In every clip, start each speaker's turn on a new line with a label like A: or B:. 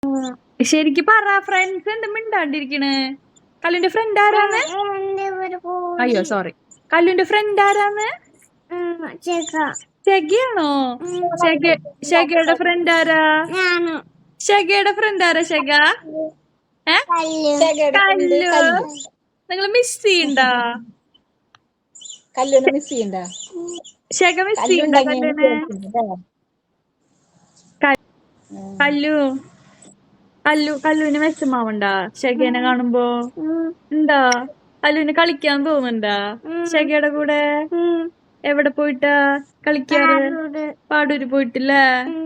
A: ശരിക്ക് പറ, ഫ്രണ്ട്സ് ഉണ്ട് മിണ്ടാണ്ടിരിക്കണ്. കല്ലുന്റെ ഫ്രണ്ട് ആരാന്ന്? അയ്യോ സോറി, കല്ലുന്റെ ഫ്രണ്ട് ആരാന്ന്? ഷെഗയാണോ? ഷെഗയുടെ ഫ്രണ്ട് ആരാ? ഷെഗയുടെ ഫ്രണ്ട് ആരാ? ഷെഗ കല്ലു. നിങ്ങള് മിസ് ചെയ്യണ്ടാ?
B: കല്ലുനെ മിസ് ചെയ്യണ്ട?
A: ഷെഗ മിസ് ചെയ്യണ്ട കല്ലുനെ? കല്ലുവിന് വിഷമാവണ്ടാ ഷെഗേനെ കാണുമ്പോ? എന്താ കല്ലുവിന് കളിക്കാൻ തോന്നുന്നുണ്ടാ ഷെഗയുടെ കൂടെ? എവിടെ പോയിട്ടാ കളിക്കാറ്? പാടൂര് പോയിട്ടില്ലേ?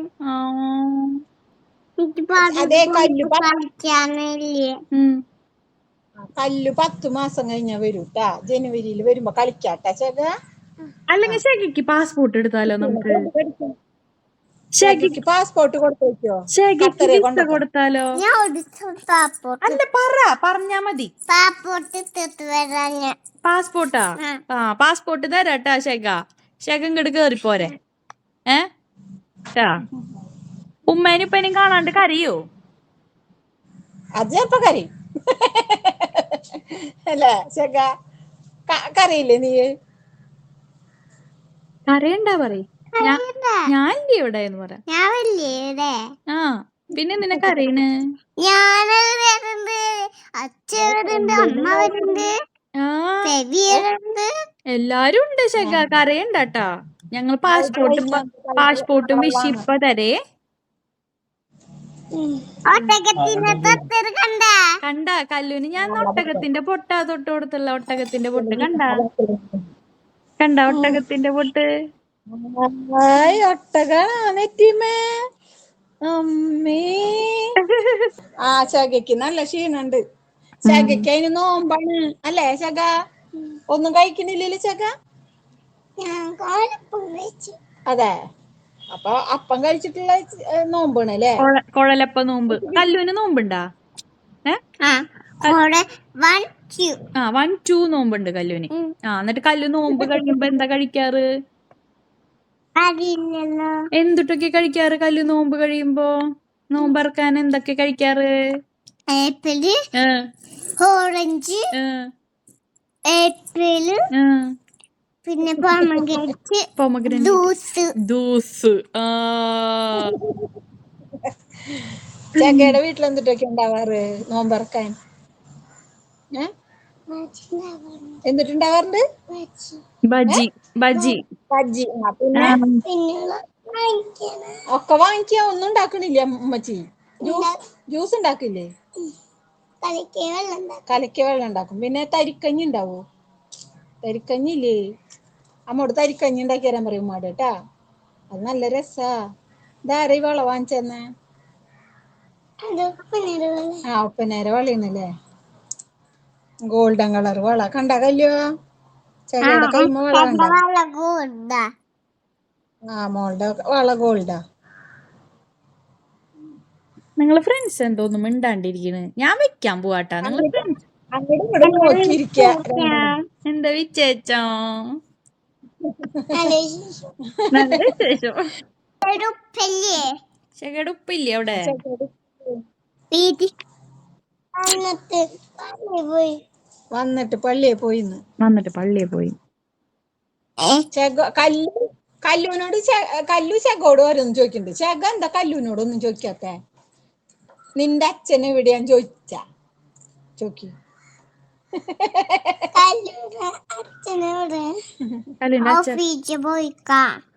B: കല്ലു 10 മാസം കഴിഞ്ഞാ വരൂട്ടാ. ജനുവരിയിൽ വരുമ്പോ കളിക്കാട്ടാ ഷെഗ.
A: അല്ലെങ്കിൽ ഷെഗയ്ക്ക് പാസ്പോർട്ട് എടുത്താലോ നമുക്ക്?
B: ഷെഗയ്ക്ക് പാസ്പോർട്ട് കൊടുത്തേക്കോ?
A: ഷെഗയ്ക്ക് വിസ കൊടുത്താലോ? അല്ല പറഞ്ഞാ മതി. പാസ്പോർട്ടാ? പാസ്പോർട്ട് തരാട്ടാ ഷെഗ. ഷെഗ ഇങ്ങോട്ട് കേറിപ്പോരെ. ഉമ്മേനും ഉപ്പേനും കാണാണ്ട് കരയോ?
B: അത് ചെലപ്പോ കരയും അല്ലേ ഷെഗ? കരയില്ലേ നീ?
A: കരയണ്ടാ പറയും. ഞാൻ ഇല്ലേ ഇവിടെ എന്ന് പറ. പിന്നെ നിന്നെ കരയണ്? എല്ലാരും ഉണ്ട് ഷെഗ, കരയണ്ടാട്ടാ. ഞങ്ങൾ പാസ്പോർട്ടും വിഷിപ്പ തരേ. കണ്ട കല്ലുവിന് ഞാൻ ഒട്ടകത്തിന്റെ പൊട്ടാ തൊട്ട് കൊടുത്തുള്ള ഒട്ടകത്തിന്റെ പൊട്ട് കണ്ട ഒട്ടകത്തിന്റെ പൊട്ട്.
B: ഒട്ടകാണെറ്റിമേ അമ്മേ. ഷെഗയ്ക്ക് നല്ല ക്ഷീണുണ്ട്. ഷെഗയ്ക്ക് അതിന് നോമ്പാണ് അല്ലേ ഷെഗ? ഒന്നും കഴിക്കണില്ലല്ലോ ഷെഗ? അതെ, അപ്പൊ അപ്പം കഴിച്ചിട്ടുള്ള നോമ്പാണ് അല്ലേ?
A: കുഴലപ്പ നോമ്പ്. കല്ലുവിന് നോമ്പുണ്ടാ? 1, 2 നോമ്പുണ്ട് കല്ലുവിന്. എന്നിട്ട് കല്ലു നോമ്പ് കഴിയുമ്പോ എന്താ കഴിക്കാറ്? എന്തുട്ടൊക്കെ കഴിക്കാറ് കല്ലു നോമ്പ് കഴിയുമ്പോ? നോമ്പറക്കാൻ എന്തൊക്കെ കഴിക്കാറ്?
C: ആപ്പിള്, ഓറഞ്ച്, ഏപ്രില്, പിന്നെ
A: ജ്യൂസ്.
B: ഷെഗയുടെ വീട്ടിൽ എന്തിട്ടൊക്കെ ഉണ്ടാവാറ് നോമ്പറക്കാൻ? എന്നിട്ടുണ്ടാവാറുണ്ട്
A: ബജി.
B: ബജ്ജി. പിന്നെ ഒക്കെ വാങ്ങിക്കാ. ഒന്നും ഉണ്ടാക്കണില്ല ഉമ്മച്ചി? ജ്യൂസ് ഉണ്ടാക്കില്ലേ? കലക്കിയ വെള്ളം ഉണ്ടാക്കും. പിന്നെ തരിക്കഞ്ഞി ഉണ്ടാവോ? തരിക്കഞ്ഞി ഇല്ലേ? അമ്മോട് തരിക്കഞ്ഞി ഉണ്ടാക്കി തരാൻ പറയും ഉമ്മാട് കേട്ടാ. അത് നല്ല രസാ. ഇതാരെ വള വാങ്ങിച്ചെന്നെ? ഒപ്പനേരെ വളയാണല്ലേ? ഗോൾഡൻ കളർ വള കണ്ട കല്ലോ? ചെടിയുടെ കൈമ വള കണ്ട? മോളുടെ വള ഗോൾഡാ.
A: നിങ്ങള് ഫ്രണ്ട്സ് എന്തോന്നും മിണ്ടാണ്ടിരിക്കണ്. ഞാൻ വെക്കാൻ പോവാട്ടാ. നിങ്ങള് ഫ്രണ്ട്സ് എന്താ വിശേഷം? നല്ല വിശേഷം. ഷെഗയുടെ ഉപ്പില്ലേ അവിടെ?
B: വന്നിട്ട് പള്ളിയെ പോയി. കല്ലുവിനോട് കല്ലു ഷെഗോട് ഓരോന്നും ചോദിക്കുന്നുണ്ട്. ഷെഗ എന്താ കല്ലുവിനോടൊന്നും ചോദിക്കാത്തെ? നിന്റെ അച്ഛൻ എവിടെയാന്ന് ചോദിക്കി.
C: അച്ഛനോട്